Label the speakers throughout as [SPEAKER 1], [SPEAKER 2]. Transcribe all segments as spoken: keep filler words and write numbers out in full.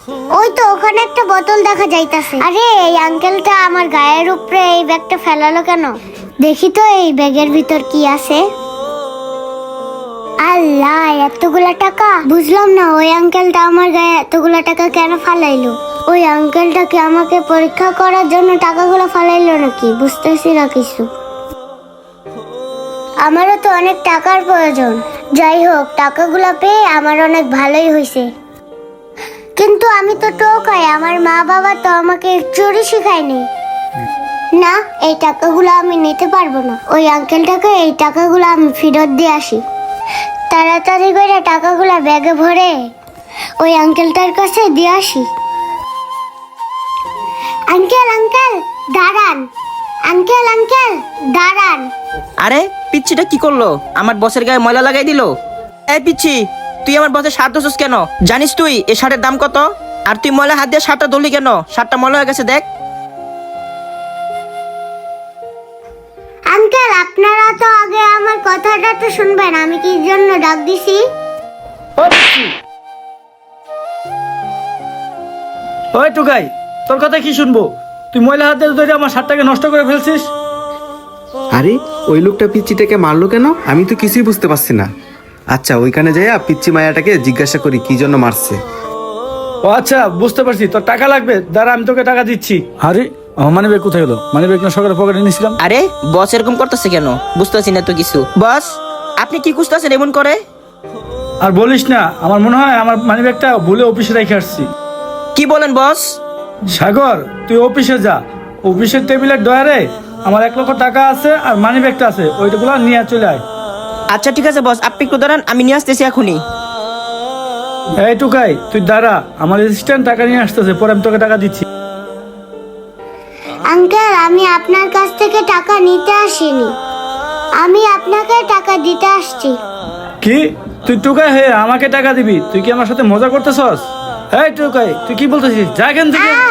[SPEAKER 1] ওই তো ওখানে একটা বোতল দেখা যাইতাছে। আরে এই আঙ্কেলটা আমার গায়ের উপরে এই ব্যাগটা ফেলালো কেন? দেখি তো এই ব্যাগের ভিতর কি আছে। আল্লাহ, এতগুলা টাকা! বুঝলাম না ওই আঙ্কেলটা আমার গায়ে এতগুলা টাকা কেন ফালাইলো। ওই আঙ্কেলটাকে আমাকে পরীক্ষা করার জন্য টাকাগুলো ফালাইলো নাকি? বুঝতেছি না কিছু। আমারও তো অনেক টাকার প্রয়োজন। যাই হোক, টাকাগুলো পেয়ে আমার অনেক ভালোই হয়েছে। কিন্তু আমি তো টোকাই, আমার মা বাবা তো আমাকে চুরি শিখায়নি। না, এই টাকাগুলো আমি নিতে পারবো না। ওই আঙ্কেলটাকে এই টাকাগুলো আমি ফেরত দিয়ে আসি। তাড়াতাড়ি করে টাকাগুলো ব্যাগে ভরে ওই আঙ্কেলটার কাছে দিয়ে আসি। আঙ্কেল আঙ্কেল দাঁড়ান, আঙ্কেল আঙ্কেল দাঁড়ান।
[SPEAKER 2] আরে পিচ্ছিটা কি করলো? আমার বসের গায়ে ময়লা লাগাই দিল। এই পিচ্ছি, তুই আমার বসের শার্ট ধরছিস কেন? জানিস তুই এই শার্টের দাম কত? আর তুই ময়লা হাত দিয়ে শার্টটা ধরলি কেন? শার্টটা ময়লা হয়ে গেছে দেখ।
[SPEAKER 1] আঙ্কেল, আপনারা তো আগে আমার কথাটা তো শুনবেন। আমি কি জন্য ডাক দিছি?
[SPEAKER 3] ওই টুকাই, তোর কথা কি শুনবো? তুই ময়লা হাতে ধরে আমার শার্টটাকে নষ্ট করে ফেলছিস।
[SPEAKER 4] আরে ওই লোকটা পিচ্চিটাকে মারলো কেন? আমি তো কিছুই বুঝতে পারছি না। আচ্ছা, ওইখানে যাইয়া পিচ্চি মায়াটাকে জিজ্ঞাসা করি কি জন্য মারছে।
[SPEAKER 3] ও আচ্ছা, বুঝতে পারছি, তোর টাকা লাগবে, দাঁড়া আমি তোকে টাকা দিচ্ছি। আরে আমার মানি ব্যাগ কোথায় গেলো? মানি ব্যাগ না সকালে পকেটে নিয়েছিলাম।
[SPEAKER 2] আরে বস এরকম করতেছে কেন? বুঝতেছি না তো কিছু। বস, আপনি কি খুঁজতেছেন এমন করে?
[SPEAKER 3] আর বলিস না, আমার মনে হয় আমার মানি ব্যাগটা ভুলে অফিসে রেখে আসছি।
[SPEAKER 2] কি বলেন বস?
[SPEAKER 3] সাগর, তুই অফিসে যা, অফিসের টেবিলের ডয়ারে আমার এক লক্ষ টাকা আছে আর মানি ব্যাগটা আছে, ওইটাগুলো নিয়ে চলে আয়।
[SPEAKER 2] আচ্ছা ঠিক আছে বস, আপনি একটু দাঁড়ান, আমি নিয়ে আসতেছি এখনই।
[SPEAKER 3] এই টুকাই, তুই দাঁড়া, আমার অ্যাসিস্ট্যান্ট টাকা নিয়ে আসতেছে, পরে আমি তোকে টাকা দিচ্ছি।
[SPEAKER 1] আঙ্কেল, আমি আপনার কাছ থেকে টাকা নিতে আসিনি, আমি আপনাকে টাকা দিতে আসছি।
[SPEAKER 3] কি? তুই টুকাই হয়ে আমাকে টাকা দিবি? তুই কি আমার সাথে মজা করতেছস? এই টুকাই, তুই কি বলতেছিস? যা এখান থেকে।
[SPEAKER 1] আহ!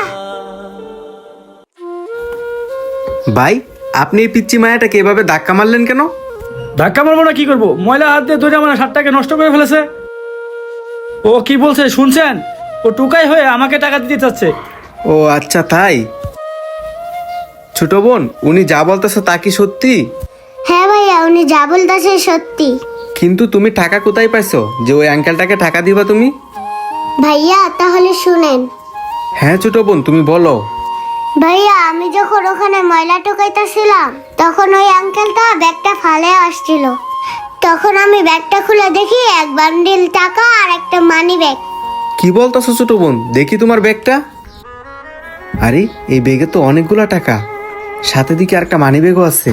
[SPEAKER 4] ভাই, আপনি এই পিচ্চি মায়াটাকে এভাবে ধাক্কা মারলেন কেন?
[SPEAKER 3] ধাক্কা মারবো না কি করবো? ময়লা হাত দিয়ে ধরে আমার শার্টটাকে নষ্ট করে ফেলেছে। ও কি বলছে শুনছেন? ও টুকাই হয়ে আমাকে টাকা দিতে চাচ্ছে।
[SPEAKER 4] ও আচ্ছা, তাই? ছোট বোন, উনি যা বলতেছে তা কি সত্যি?
[SPEAKER 1] হ্যাঁ ভাইয়া, উনি যা বলতেছে সত্যি।
[SPEAKER 4] কিন্তু তুমি টাকা কোথায় পাইছো যে ওই আঙ্কেলটাকে টাকা দিবা তুমি?
[SPEAKER 1] ভাইয়া তাহলে শুনেন।
[SPEAKER 4] হ্যাঁ ছোট বোন, তুমি বলো।
[SPEAKER 1] ভাইয়া, আমি যখন ওখানে ময়লা টোকাইতেছিলাম তখন ওই আঙ্কেলটা ব্যাগটা ফালে আসছিল। তখন আমি ব্যাগটা খুলে দেখি এক বান্ডিল টাকা আর একটা মানি ব্যাগ।
[SPEAKER 4] কি বলতেছো ছোট বোন? দেখি তোমার ব্যাগটা। আরে এই ব্যাগে তো অনেকগুলা টাকা, সাথে দিকে আর একটা মানি ব্যাগও আছে।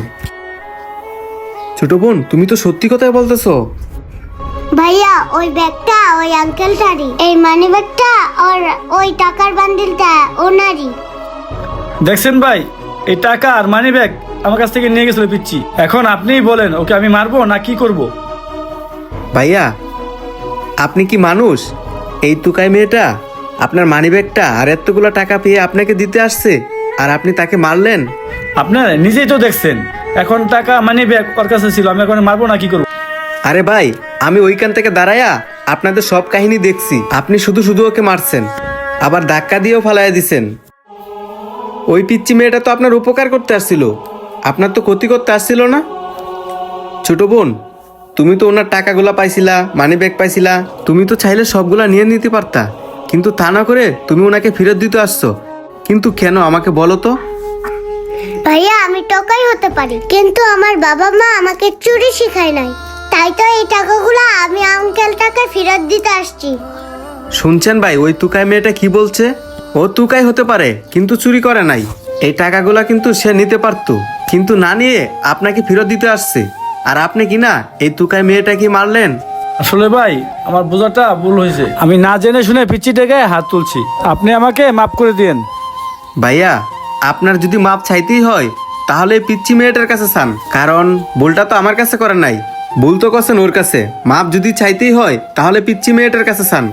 [SPEAKER 4] ছোট বোন, তুমি তো সত্যি কথাই বলতেছো।
[SPEAKER 1] ভাইয়া, ওই ব্যাগটা ওই আঙ্কেলটারই, এই মানি ব্যাগটা আর ওই টাকার বান্ডিলটা ওনারই।
[SPEAKER 3] দেখছেন ভাই, এই টাকা আর মানি ব্যাগ আমার কাছ থেকে নিয়ে গেছিল পিচ্ছি। এখন আপনিই বলেন, ওকে আমি মারবো না কি করব?
[SPEAKER 4] ভাইয়া, আপনি কি মানুষ? এই তুকাই মেয়েটা আপনার মানি ব্যাগটা আর এতগুলো টাকা পেয়ে আপনাকে দিতে আসছে, আর আপনি তাকে মারলেন?
[SPEAKER 3] আপনার নিজেই তো দেখছেন, এখন টাকা মানি ব্যাগ ওর কাছে ছিল, আমি এখন মারবো না কি করবো?
[SPEAKER 4] আরে ভাই, আমি ওইখান থেকে দাঁড়াইয়া আপনাদের সব কাহিনী দেখছি। আপনি শুধু শুধু ওকে মারছেন, আবার ধাক্কা দিয়েও ফালাইয়া দিছেন। ওই পিচ্চি মেয়েটা তো আপনার উপকার করতে আসছিল, আপনার তো ক্ষতি করতে আসছিল না। ছোট বোন, তুমি তো ওনার টাকাগুলা পাইছিলা, মানি ব্যাগ পাইছিলা, তুমি তো চাইলে সবগুলা নিয়ে নিতে পারতা, কিন্তু তা না করে তুমি ওনাকে ফেরত দিতে আসছো। কিন্তু কেন আমাকে বলো তো?
[SPEAKER 1] ভাইয়া, আমি টোকাই হতে পারি, কিন্তু আমার বাবা মা আমাকে চুরি শিখায় নাই। তাই তো এই টাকাগুলো আমি আঙ্কেলটাকে ফেরত দিতে আসছি।
[SPEAKER 4] শুনছেন ভাই, ওই তুকাই মেয়েটা কি বলছে? ও তুকাই হতে পারে কিন্তু চুরি করে নাই। এই টাকাগুলা কিন্তু সে নিতে পারতো, কিন্তু না নিয়ে আপনাকে ফেরত দিতে আসছে। আর আপনি কি না এই তুকাই মেয়েটা কি মারলেন?
[SPEAKER 3] আসলে ভাই, আমার বোঝাটা ভুল হয়েছে, আমি না জেনে শুনে পিচ্চিটাকে হাত তুলছি, আপনি আমাকে মাফ করে দিন।
[SPEAKER 4] ভাইয়া, আপনার যদি মাপ চাইতেই হয় তাহলে এই পিচ্চি মেয়েটার কাছে চান, কারণ ভুলটা তো আমার কাছে করেন নাই, ভুল তো করছেন ওর কাছে। মাপ যদি চাইতেই হয় তাহলে পিচ্চি মেয়েটার কাছে চান।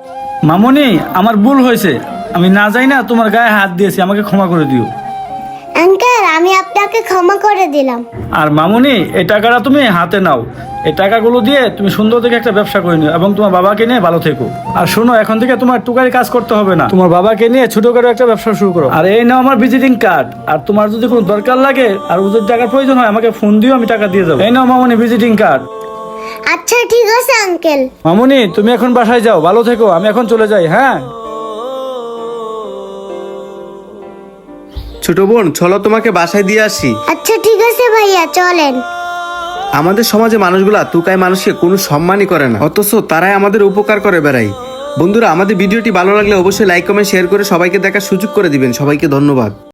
[SPEAKER 3] মামনি, আমার ভুল হয়েছে, আমি না যাই না তোমার গায়ে হাত দিয়েছি, আমাকে ক্ষমা করে দিও।
[SPEAKER 1] আঙ্কেল আমি আপনাকে ক্ষমা করে দিলাম।
[SPEAKER 3] আর মামুনি, এই টাকাটা তুমি হাতে নাও। এই টাকাগুলো দিয়ে তুমি সুন্দর দেখে একটা ব্যবসা করে নিও এবং তোমার বাবাকে নিয়ে ভালো থেকো। আর শোনো, এখন থেকে তোমার টুকারি কাজ করতে হবে না, তোমার বাবাকে নিয়ে ছোটখাটো একটা ব্যবসা শুরু করো। আর এই নাও আমার ভিজিটিং কার্ড। আর তোমার যদি কোনো দরকার লাগে আর ওদের টাকার প্রয়োজন হয় আমাকে ফোন দিও, আমি টাকা দিয়ে যাবো। এই নাও মামুনি ভিজিটিং কার্ড।
[SPEAKER 1] আচ্ছা ঠিক আছে আঙ্কেল।
[SPEAKER 3] মামুনি, তুমি এখন বাসায় যাও, ভালো থেকো। আমি এখন চলে যাই। হ্যাঁ,
[SPEAKER 4] ছোট বোন, চলো তোমাকে বাসায় দিয়ে আসি।
[SPEAKER 1] আচ্ছা ঠিক আছে ভাইয়া, চলেন।
[SPEAKER 4] আমাদের সমাজে মানুষগুলা তুকায় মানুষকে কোনো সম্মানই করে না, অথচ তারাই আমাদের উপকার করে বেড়ায়। বন্ধুরা, আমাদের ভিডিওটি ভালো লাগলে অবশ্যই লাইক কমেন্ট শেয়ার করে সবাইকে দেখার সুযোগ করে দিবেন। সবাইকে ধন্যবাদ।